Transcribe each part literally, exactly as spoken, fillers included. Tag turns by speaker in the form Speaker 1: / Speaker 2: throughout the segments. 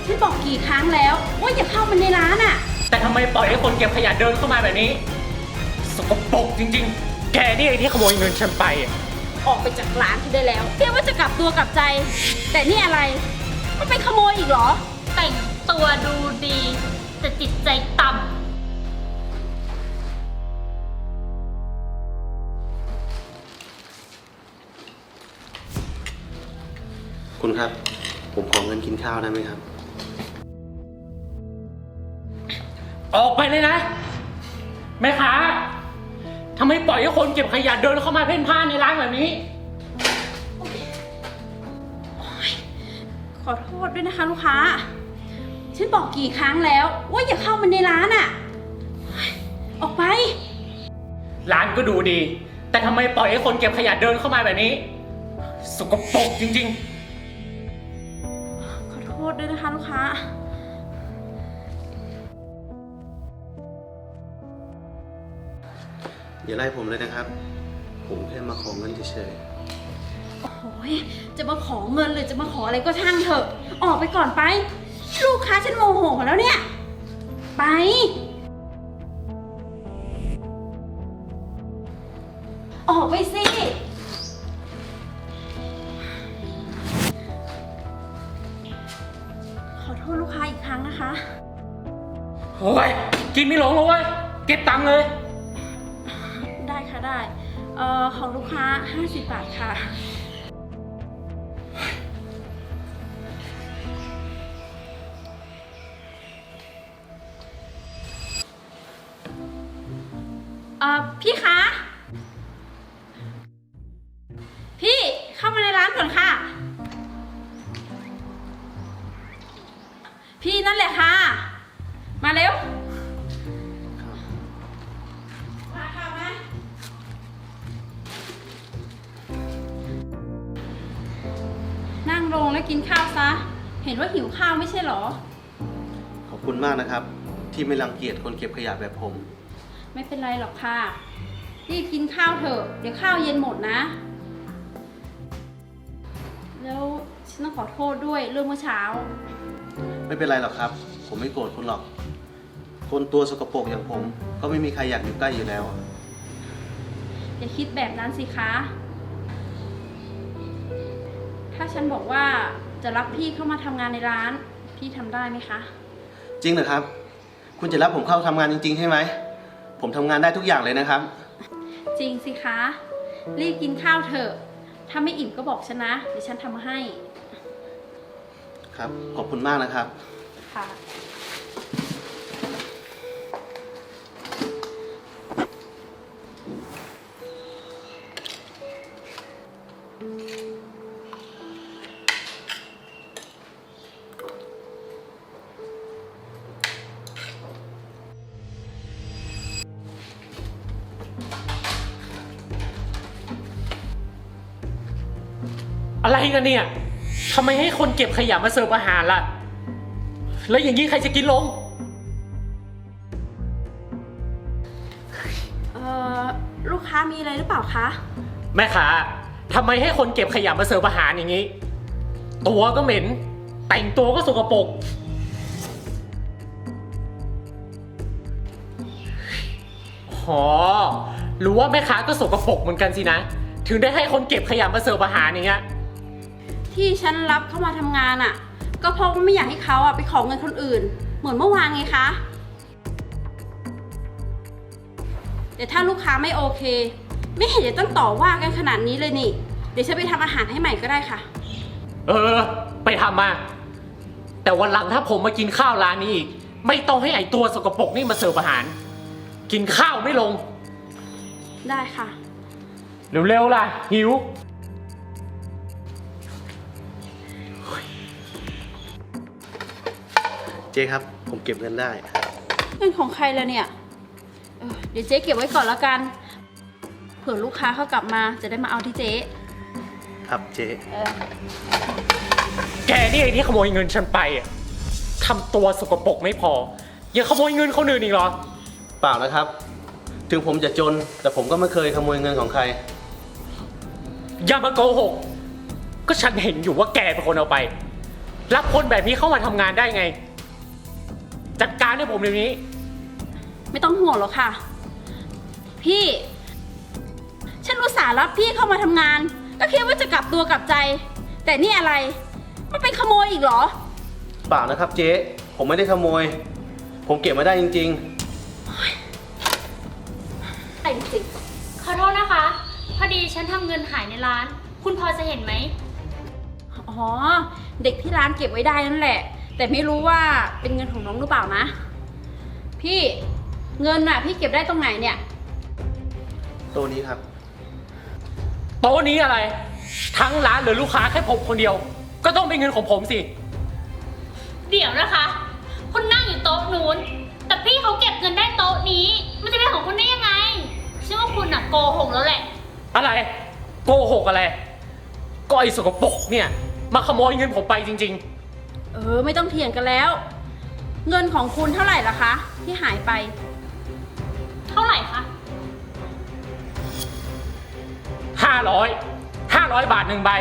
Speaker 1: ฉันบอกกี่ครั้งแล้วว่าอย่าเข้ามาในร้านอ่ะ
Speaker 2: แต่ทำไมปล่อยให้คนเก็บขยะเดินเข้ามาแบบนี้สกปรกจริงๆแกนี่ไอ้ที่ขโมยเงินฉันไป
Speaker 1: ออกไปจากร้านฉันได้แล้วเรียกว่าจะกลับตัวกลับใจแต่นี่อะไรมันเป็นขโมยอีกเหรอ
Speaker 3: แต่งตัวดูดีแต่จิตใจต่ำ
Speaker 4: คุณครับผมขอเงินกินข้าวได้ไหมครับ
Speaker 2: ออกไปเลยนะแม่ค้าทำไมปล่อยให้คนเก็บขยะเดินเข้ามาเพ่นพ่านในร้านแบบนี้
Speaker 1: ขอโทษด้วยนะคะลูกค้าฉันบอกกี่ครั้งแล้วว่าอย่าเข้ามาในร้านอ่ะออกไป
Speaker 2: ร้านก็ดูดีแต่ทำไมปล่อยให้คนเก็บขยะเดินเข้ามาแบบนี้สกปรกจริง
Speaker 1: ๆขอโทษด้วยนะคะลูกค้า
Speaker 4: อย่าไล่ผมเลยนะครับผมแค่มาขอเงินเฉย
Speaker 1: ๆโอ้โหจะมาขอเงินหรือจะมาขออะไรก็ช่างเถอะออกไปก่อนไปลูกค้าฉันโมโหแล้วเนี่ยไปออกไปสิขอโทษลูกค้าอีกครั้งนะคะ
Speaker 2: โอ้ยกินไม่ลงเลยเก็บตังค์เลย
Speaker 1: ได้ค่ะได้เอ่อของลูกค้าห้าสิบบาทค่ะเอ่อพี่คะพี่เข้ามาในร้านก่อนค่ะพี่นั่นแหละค่ะมาเร็วมาค่ะมานั่งลงแล้วกินข้าวซะเห็นว่าหิวข้าวไม่ใช่หรอ
Speaker 4: ขอบคุณมากนะครับที่ไม่รังเกียจคนเก็บขยะแบบผม
Speaker 1: ไม่เป็นไรหรอกค่ะรีบกินข้าวเถอะเดี๋ยวข้าวเย็นหมดนะแล้วฉันต้องขอโทษด้วยเรื่องเมื่อเช้า
Speaker 4: ไม่เป็นไรหรอกครับผมไม่โกรธคุณหรอกคนตัวสกปรกอย่างผมก็ไม่มีใครอยากอยู่ใกล้อยู่แล้ว
Speaker 1: อย่าคิดแบบนั้นสิคะถ้าฉันบอกว่าจะรับพี่เข้ามาทำงานในร้านพี่ทำได้ไหมคะ
Speaker 4: จริงเหรอครับคุณจะรับผมเข้าทำงานจริงๆใช่ไหมผมทำงานได้ทุกอย่างเลยนะครับ
Speaker 1: จริงสิคะรีบกินข้าวเถอะถ้าไม่อิ่มก็บอกฉันนะเดี๋ยวฉันทำให้
Speaker 4: ครับขอบคุณมากนะครับ
Speaker 1: ค่ะ
Speaker 2: อะไรกันเนี่ยทำไมให้คนเก็บขยะมาเสิร์ฟอาหารล่ะแล้วอย่างนี้ใครจะกินลง
Speaker 1: เอ่อลูกค้ามีอะไรหรือเปล่าคะ
Speaker 2: แม่ค้าทำไมให้คนเก็บขยะมาเสิร์ฟอาหารอย่างนี้ตัวก็เหม็นแต่งตัวก็สกปรกอ๋อรู้ว่าแม่ค้าก็สกปรกเหมือนกันสินะถึงได้ให้คนเก็บขยะมาเสิร์ฟอาหารอย่างเงี้ย
Speaker 1: ที่ฉันรับเข้ามาทำงานอ่ะก็เพราะว่าไม่อยากให้เขาอ่ะไปขอเงินคนอื่นเหมือนเมื่อวานไงคะแต่ถ้าลูกค้าไม่โอเคไม่เห็นจะต้องต่อว่ากันขนาดนี้เลยนี่เดี๋ยวฉันไปทำอาหารให้ใหม่ก็ได้ค่ะ
Speaker 2: เออไปทำมาแต่วันหลังถ้าผมมากินข้าวร้านนี้อีกไม่ต้องให้ไอตัวสกปรกนี่มาเสิร์ฟอาหารกินข้าวไม่ลง
Speaker 1: ได้ค่ะ
Speaker 2: เร็วๆล่ะหิว
Speaker 4: เจ๊ครับผมเก็บเงินได้
Speaker 1: เงินของใครแล้วเนี่ยเออเดี๋ยวเจ๊เก็บไว้ก่อนแล้วกันเผื่อลูกค้าเขากลับมาจะได้มาเอาที่เจ๊
Speaker 4: ครับเจ๊
Speaker 2: แกนี่ไอ้ที่ขโมยเงินฉันไปอ่ะทำตัวสกปรกไม่พอยังขโมยเงินคนอื่นอีกเหรอ
Speaker 4: เปล่านะครับถึงผมจะจนแต่ผมก็ไม่เคยขโมยเงินของใคร
Speaker 2: อย่ามาโกหกก็ฉันเห็นอยู่ว่าแกเป็นคนเอาไปรับคนแบบนี้เข้ามาทำงานได้ไง จัดการให้ผมเดี๋ยวนี้
Speaker 1: ไม่ต้องห่วงหรอกค่ะ พี่ ฉันอุตส่าห์รับพี่เข้ามาทำงาน ก็คิดว่าจะกลับตัวกลับใจ แต่นี่อะไร มันเป็นขโมยอีกเหรอ
Speaker 4: เปล่านะครับเจ๊ ผมไม่ได้ขโมย ผมเก็บมาได้จริง
Speaker 1: แต่จริง
Speaker 3: ขอโทษนะคะ พอดีฉันทำเงินหายในร้าน คุณพอจะเห็นไหม
Speaker 1: อ๋อ เด็กที่ร้านเก็บไว้ได้นั่นแหละ แต่ไม่รู้ว่าเป็นเงินของน้องหรือเปล่านะ พี่เงินน่ะพี่เก็บได้ตรงไหนเนี่ย
Speaker 4: ๆ ตัวนี้ครับ
Speaker 2: โต๊ะนี้อะไร ทั้งร้านเหลือลูกค้าแค่ผมคนเดียว ก็ต้องเป็นเงินของผมสิ
Speaker 3: เดี๋ยวนะคะ คุณนั่งอยู่โต๊ะนู้น แต่พี่เขาเก็บเงินได้โต๊ะนี้ มันจะเป็นของคุณได้ยังไงฉันว่าคุณน่ะโกหกแล้วแหละ
Speaker 2: อะไร โกหกอะไร ก็ไอ้สกปรกเนี่ย มาขโมยเงินผมไปจริง
Speaker 1: เออไม่ต้องเถียงกันแล้ว เงินของคุณเท่าไหร่ล่ะคะ ที่หายไป
Speaker 3: เท่าไหร่คะ
Speaker 2: ๆ ห้าร้อย ห้าร้อยบาทหนึ่งใบ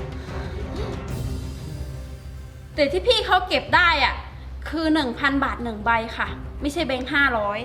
Speaker 1: แต่ที่พี่เขาเก็บได้อะคือหนึ่งพันบาทหนึ่งใบค่ะ ไม่ใช่แบงค์ห้าร้อย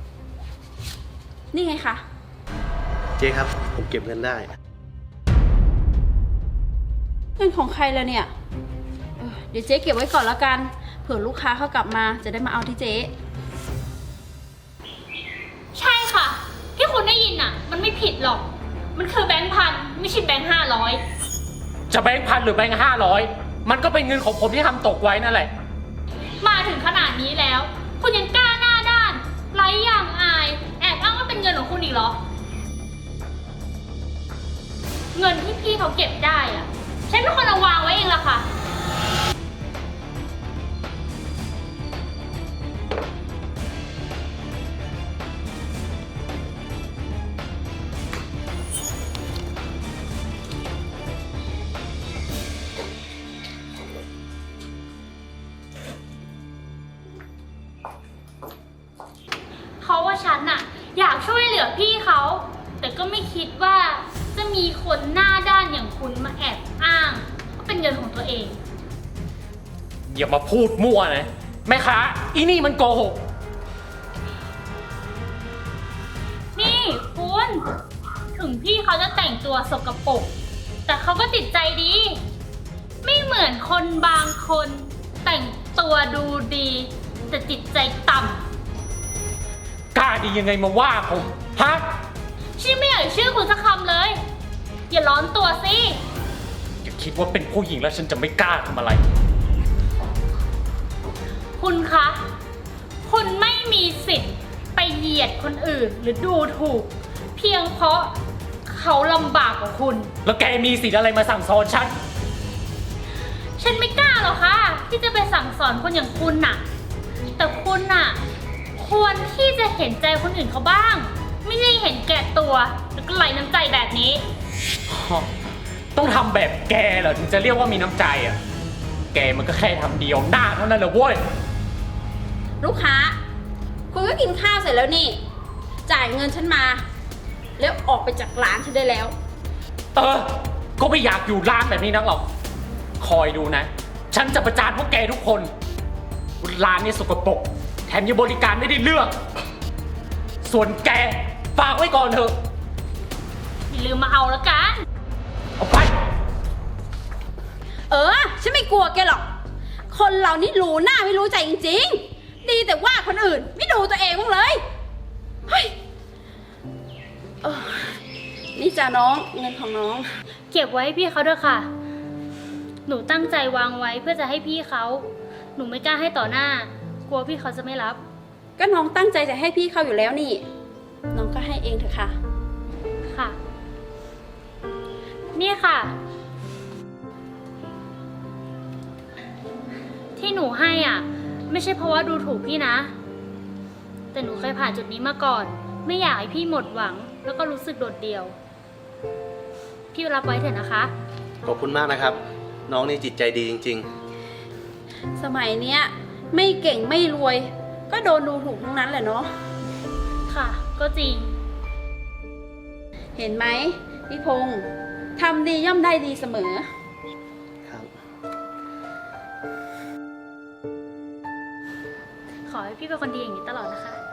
Speaker 1: นี่ไงคะ
Speaker 4: เจ๊ครับ ผมเก็บเงินได้
Speaker 1: เงินของใครแล้วเนี่ยเออเดี๋ยวเจ๊เก็บไว้ก่อนแล้วกัน เผื่อลูกค้าเขากลับมาจะได้มาเอาที่เจ๊
Speaker 3: ใช่ค่ะ ที่คุณได้ยินน่ะ มันไม่ผิดหรอก มันคือแบงค์พันไม่ใช่แบงค์ห้าร้อย
Speaker 2: จะแบงค์พันหรือแบงค์ห้าร้อยมันก็เป็นเงินของผมที่ทำตกไว้นั่นแหละ
Speaker 3: มาถึงขนาดนี้แล้ว คุณยังกล้าหน้าด้านไร้อย่างอาย แอบอ้างว่าเป็นเงินของคุณอีกเหรอ เงินที่พี่เขาเก็บได้อะฉันเป็นคนเอาวางไว้เองล่ะค่ะ เพราะว่าฉันน่ะอยากช่วยเหลือพี่เขา แต่ก็ไม่คิดว่าจะมีคนหน้าด้านอย่างคุณมาแอบอ้างว่าเป็นเงินของตัวเอง
Speaker 2: อย่ามาพูดมั่วนะ แม่ค้าอีนี่มันโกหก
Speaker 3: นี่คุณถึงพี่เขาจะแต่งตัวสกปรกแต่เขาก็จิตใจดี ไม่เหมือนคนบางคนแต่งตัวดูดี แต่จิตใจต่ำ
Speaker 2: กล้าดียังไงมาว่าผม ฮะ
Speaker 3: ฉันไม่อยากชื่อคุณสักคำเลย อย่าร้อนตัวสิ
Speaker 2: อย่าคิดว่าเป็นผู้หญิงแล้วฉันจะไม่กล้าทำอะไร
Speaker 3: คุณคะ คุณไม่มีสิทธิ์ไปเหยียดคนอื่นหรือดูถูก เพียงเพราะเขาลำบากกว่าคุณ
Speaker 2: แล้วแกมีสิทธิ์อะไรมาสั่งสอนฉัน
Speaker 3: ฉันไม่กล้าหรอกค่ะ ที่จะไปสั่งสอนคนอย่างคุณน่ะ แต่คุณน่ะ ควรที่จะเห็นใจคนอื่นเขาบ้าง ไม่ใช่เห็นแก่ตัวแล้วก็ไร้น้ำใจแบบนี้
Speaker 2: ต้องทำแบบแกเหรอถึงจะเรียกว่ามีน้ำใจอ่ะ แกมันก็แค่ทำเดียวหน้าเท่านั้นแหละเว้ย
Speaker 1: ลูกค้า คุณก็กินข้าวเสร็จแล้วนี่ จ่ายเงินฉันมา แล้วออกไปจากร้านฉันได้แล้ว
Speaker 2: เออ ก็ไม่อยากอยู่ร้านแบบนี้นักหรอก คอยดูนะ ฉันจะประจานพวกแกทุกคนร้านนี้สกปรกแถมยังบริการไม่ได้เรื่อง ส่วนแกฝากไว้ก่อนเถอะ
Speaker 3: อย่าลืมมาเอาละกัน
Speaker 2: เอาไป
Speaker 1: เออ ฉันไม่กลัวแกหรอก คนเรานี่รู้หน้าไม่รู้ใจจริงๆ ดีแต่ว่าคนอื่นไม่ดูตัวเองบ้างเลย เฮ้ยเออนี่จ้ะน้องเงินของน้อง
Speaker 3: เก็บไว้ให้พี่เขาด้วยค่ะ หนูตั้งใจวางไว้เพื่อจะให้พี่เขา หนูไม่กล้าให้ต่อหน้า กลัวพี่เขาจะไม่รับ
Speaker 1: ก็น้องตั้งใจจะให้พี่เขาอยู่แล้วนี่ น้องก็ให้เองเถอะค่ะ
Speaker 3: ค่ะ นี่ค่ะ ที่หนูให้อ่ะ ไม่ใช่เพราะว่าดูถูกพี่นะ แต่หนูเคยผ่านจุดนี้มาก่อน ไม่อยากให้พี่หมดหวัง แล้วก็รู้สึกโดดเดี่ยว พี่รับไว้เถอะนะคะ
Speaker 4: ขอบคุณมากนะครับ น้องนี่จิตใจดีจริง
Speaker 1: สมัยเนี้ยไม่เก่งไม่รวย ก็โดนดูถูกทั้งนั้นแหละเนาะ
Speaker 3: ค่ะ ก็จริง
Speaker 1: เห็นไหมพี่พงษ์ทำดีย่อมได้ดีเสมอ
Speaker 4: ๆ ครับ
Speaker 3: ขอให้พี่เป็นคนดีอย่างนี้ตลอดนะคะ